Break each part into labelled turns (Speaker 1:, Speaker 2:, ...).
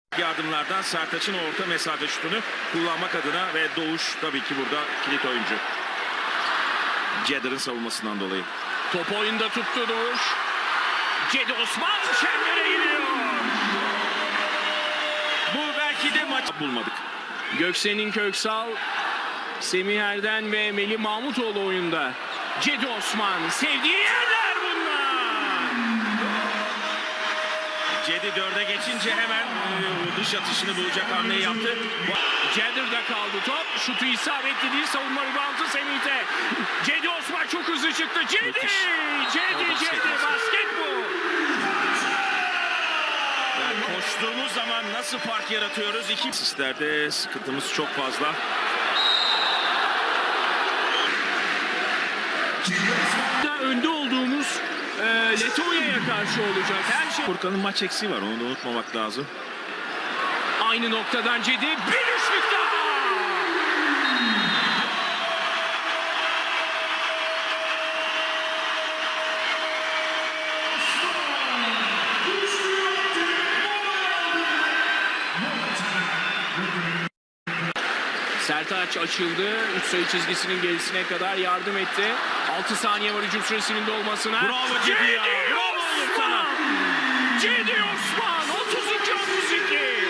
Speaker 1: Yardımlardan Sertaç'ın orta mesafe şutunu kullanmak adına ve Doğuş tabii ki burada kilit oyuncu. Cedder'ın savunmasından dolayı.
Speaker 2: Top oyunda tuttu Doğuş. Cedi Osman çembere gidiyor.
Speaker 1: Bu belki de maç bulmadık.
Speaker 2: Göksen'in Köksal, Semih Erden ve Melih Mahmutoğlu oyunda. Cedi Osman sevdiği yerler bunlar.
Speaker 1: Cedi 4'e geçince hemen dış atışını bulacak hamleyi yaptı.
Speaker 2: Cedder'da kaldı top. Şutu isabetli değil. Savunma reboundu Semih'te. Cedi Osman çok hızlı çıktı. Cedi! Cedi basket bu.
Speaker 1: Yani koştuğumuz zaman nasıl fark yaratıyoruz? İki sislerde sıkıntımız çok fazla.
Speaker 2: Önde olduğumuz Letonya'ya karşı olacak. Her şey
Speaker 1: Furkan'ın maç eksiği var. Onu da unutmamak lazım.
Speaker 2: aynı noktadan Cedi. Bir üçlük daha. Sertaç açıldı. 3 sayı çizgisinin gerisine kadar yardım etti. 6 saniye var hücum süresinin dolmasına.
Speaker 1: Bravo Cedi ya. Bravo oğlum sana.
Speaker 2: Cedi Osman 32-32.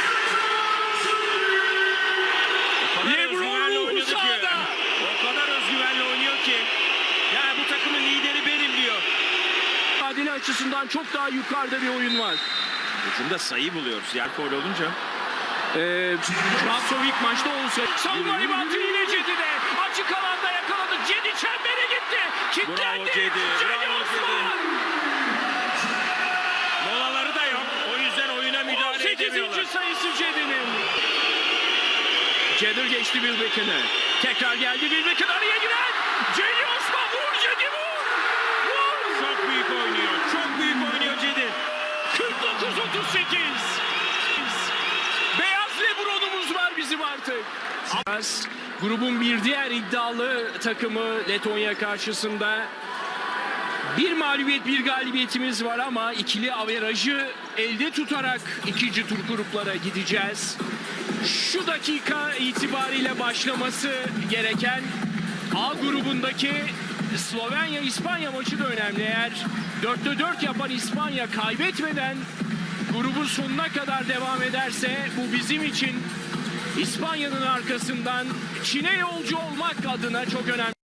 Speaker 1: Lebron
Speaker 2: ruhu sahada.
Speaker 1: O kadar özgüvenle oynuyor ki. Yani bu takımın lideri benim diyor.
Speaker 2: Adile açısından çok daha yukarıda bir oyun var.
Speaker 1: Hücumda sayı buluyoruz. Yer gol olunca.
Speaker 2: Şansov ilk maçta olsa. Savunma ribantı yine Cedi'de. Açık alanda yakaladı. Cedi çembere gitti. Kilitlendi.
Speaker 1: Bravo Cedi. Bravo
Speaker 2: Osman.
Speaker 1: Molaları da yok. O yüzden oyuna müdahale
Speaker 2: 18.
Speaker 1: edemiyorlar.
Speaker 2: sayısı Cedi'nin. Cedder geçti Wilbeck'ine. Tekrar geldi Wilbeck'in araya giren. Cedi Osman vur Cedi vur. Vur.
Speaker 1: Çok büyük oynuyor. Çok büyük oynuyor Cedi.
Speaker 2: 49-38. Beyaz Lebron'umuz var bizim artık. Grubun bir diğer iddialı takımı Letonya karşısında. Bir mağlubiyet bir galibiyetimiz var ama ikili averajı elde tutarak ikinci tur gruplara gideceğiz. Şu dakika itibariyle başlaması gereken A grubundaki Slovenya-İspanya maçı da önemli. Eğer 4'te 4 yapan İspanya kaybetmeden grubun sonuna kadar devam ederse bu bizim için İspanya'nın arkasından Çin'e yolcu olmak adına çok önemli.